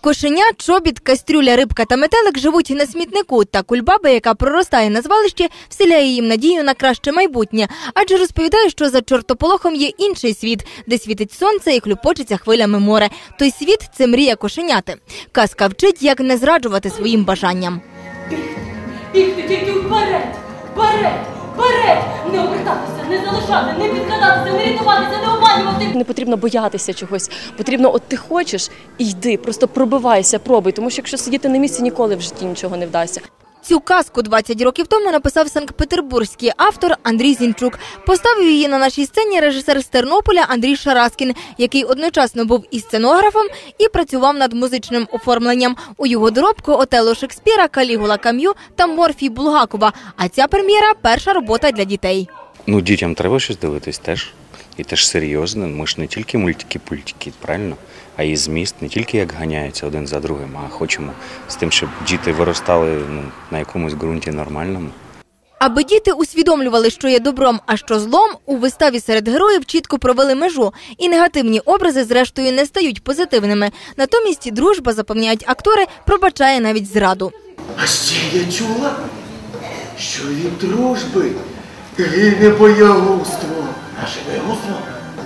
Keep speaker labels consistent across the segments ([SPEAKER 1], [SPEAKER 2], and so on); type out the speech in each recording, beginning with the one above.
[SPEAKER 1] Кошеня, чобіт, кастрюля, рибка та метелик живуть на смітнику, та кульбаба, яка проростає на звалищі, вселяє їм надію на краще майбутнє. Адже розповідає, що за чортополохом є інший світ, де світить сонце і хлюпочеться хвилями море. Той світ – це мрія кошеняти. Казка вчить, як не зраджувати своїм бажанням.
[SPEAKER 2] Бігти тільки вперед, вперед, вперед! Не обертатися, не залишати, не підкладатися, не рятуватися, не обманювати.
[SPEAKER 3] Не потрібно боятися чогось. Потрібно, от ти хочеш, і йди, просто пробивайся, пробуй. Тому що якщо сидіти на місці, ніколи в житті нічого не вдасться.
[SPEAKER 1] Цю казку 20 років тому написав санкт-петербурзький автор Андрій Зінчук. Поставив її на нашій сцені режисер з Тернополя Андрій Шараскін, який одночасно був і сценографом, і працював над музичним оформленням. У його доробку Отелло Шекспіра, Калігула Кам'ю та Морфій Булгакова. А ця прем'єра – перша робота для дітей.
[SPEAKER 4] Дітям треба щось дивитись теж. І теж серйозно. Ми ж не тільки мультики-пультики, правильно? А і зміст не тільки як ганяються один за другим, а хочемо з тим, щоб діти виростали на якомусь ґрунті нормальному.
[SPEAKER 1] Аби діти усвідомлювали, що є добром, а що злом, у виставі серед героїв чітко провели межу. І негативні образи, зрештою, не стають позитивними. Натомість дружба, запевняють актори, пробачає навіть зраду.
[SPEAKER 5] А ще я чула, що від дружби гине боягузтво. Наше боягузтво?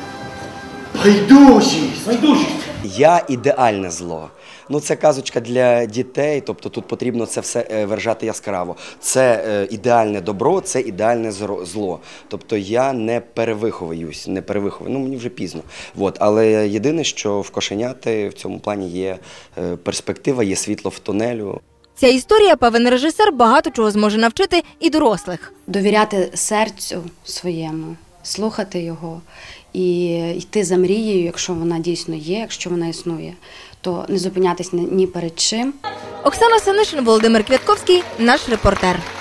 [SPEAKER 5] Байдужість.
[SPEAKER 6] Я ідеальне зло. Це казочка для дітей, тобто тут потрібно це все виражати яскраво. Це ідеальне добро, це ідеальне зло. Тобто я не перевиховуюсь, мені вже пізно. Але єдине, що в кошеняти в цьому плані є перспектива, є світло в тунелю.
[SPEAKER 1] Ця історія, певен режисер, багато чого зможе навчити і дорослих.
[SPEAKER 7] Довіряти серцю своєму, слухати його і йти за мрією, якщо вона дійсно є, якщо вона існує, то не зупинятись ні перед чим.
[SPEAKER 1] Оксана Синишин, Володимир Квятковський, наш репортер.